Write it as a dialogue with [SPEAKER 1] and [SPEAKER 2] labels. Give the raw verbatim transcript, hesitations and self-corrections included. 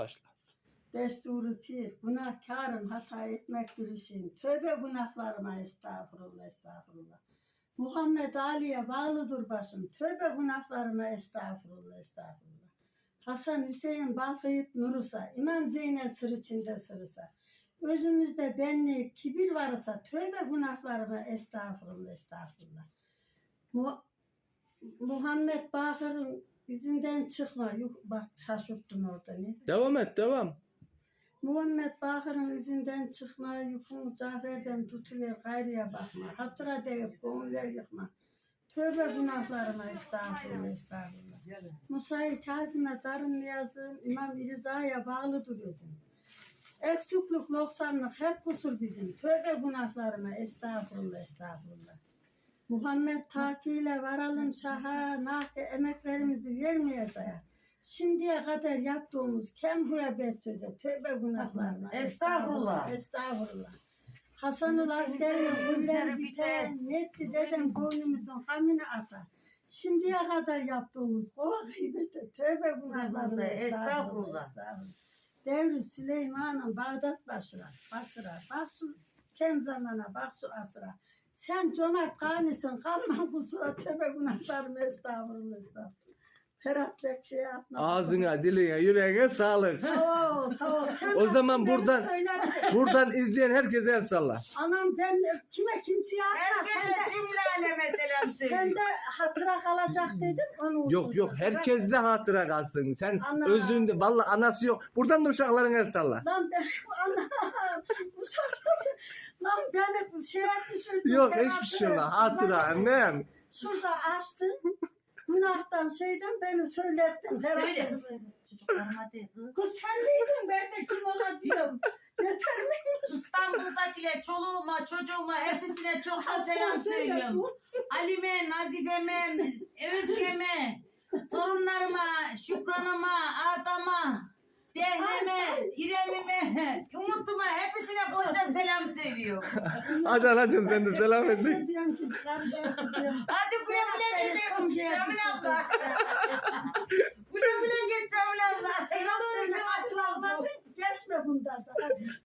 [SPEAKER 1] başla.
[SPEAKER 2] Desturu pir, günahkarım, hata etmektir işim. Tövbe günahlarıma, estağfurullah, estağfurullah. Muhammed Ali'ye bağlıdır başım. Tövbe günahlarıma, estağfurullah, estağfurullah. Hasan Hüseyin balkayıp nurusa, İmam Zeynep sır içinde sırısa. Özümüzde benlik, kibir varsa, tövbe günahlarıma, estağfurullah, estağfurullah. Mu Muhammed Bakır'ın izinden çıkma. Yuh, bak şaşırttım orada. Ne?
[SPEAKER 1] Devam et, devam.
[SPEAKER 2] Muhammed Bakır'ın izinden çıkma, yükünü Cafer'den tutuver, gayrıya bakma. Hatıra deyip gönüller yıkma. Tövbe günahlarıma, estağfurullah, estağfurullah. Musa-i Kazim'e darın niyazım, İmam İriza'ya bağlıdır özüm. Eksiklik, noksanlık hep kusur bizim. Tövbe günahlarıma, estağfurullah, estağfurullah. Muhammed takiyle varalım şaha, nahi emeklerimizi vermeyeceğiz. Şimdiye kadar yaptığımız kem huya bet söze, tövbe günahlarına.
[SPEAKER 3] Estağfurullah.
[SPEAKER 2] Estağfurullah. Hasan'ın askerinin gülleri biter, netti dedem boynumuzun hamini atar. Şimdiye kadar yaptığımız kova gıybete, tövbe günahlarına. Estağfurullah. Estağfurullah. Devri Süleyman'ın Bağdat başına, Basra, bak şu kem zamana, bak şu asra. Sen cömert ganisin, kalma kusura, tövbe günahlarına, estağfurullah, estağfurullah. Ferhat Bekşi'ye atma.
[SPEAKER 1] Ağzına, diline, yüreğine sağlık.
[SPEAKER 2] Sağ ol, sağ ol. Sen
[SPEAKER 1] O zaman
[SPEAKER 2] beni
[SPEAKER 1] buradan
[SPEAKER 2] söylerdin.
[SPEAKER 1] buradan izleyen herkese el salla.
[SPEAKER 2] Anam ben kime kimseye atma. Sen
[SPEAKER 3] Herkese
[SPEAKER 2] de,
[SPEAKER 3] cümle aleme selam
[SPEAKER 2] sen
[SPEAKER 3] söylüyor.
[SPEAKER 2] de hatıra kalacak dedin. Onu
[SPEAKER 1] Yok yok, herkes de hatıra kalsın. Sen
[SPEAKER 2] Ana.
[SPEAKER 1] özünde, vallahi anası yok. Buradan da uşakların el salla.
[SPEAKER 2] Lan ben, anam, uşaklar, lan beni şeye düşürdün.
[SPEAKER 1] Yok
[SPEAKER 2] ben
[SPEAKER 1] hiçbir şey
[SPEAKER 2] hatırladım.
[SPEAKER 1] yok. Hatıra
[SPEAKER 2] Bak,
[SPEAKER 1] annem.
[SPEAKER 2] Şurada açtın. Günahtan şeyden beni söylettin. Ferhat
[SPEAKER 3] Söyle
[SPEAKER 2] Bekşi.
[SPEAKER 3] kız. Çocuklarıma de kız.
[SPEAKER 2] Kız sen miydin? Ben de kim ola diyorum. Yeter miymiş?
[SPEAKER 3] İstanbul'dakiler çoluğuma, çocuğuma hepsine çok da selam
[SPEAKER 2] Söyle,
[SPEAKER 3] söylüyorum.
[SPEAKER 2] bu-
[SPEAKER 3] Ali'me, Nazife'me, Özge'me, torunlarıma, Şükran'ıma, Arda'ma, Dehne'me, İrem'ime, Umut'uma hepsine bolca selam söylüyorum.
[SPEAKER 1] Hadi anacığım sen de selam et.
[SPEAKER 2] Ne diyorum ki? Kardeşim diyorum.
[SPEAKER 3] Hadi güle güle gidelim Cemil abla. Güle güle git Cemil abla.
[SPEAKER 2] Beni açmadın, geçme bundan da. Hadi.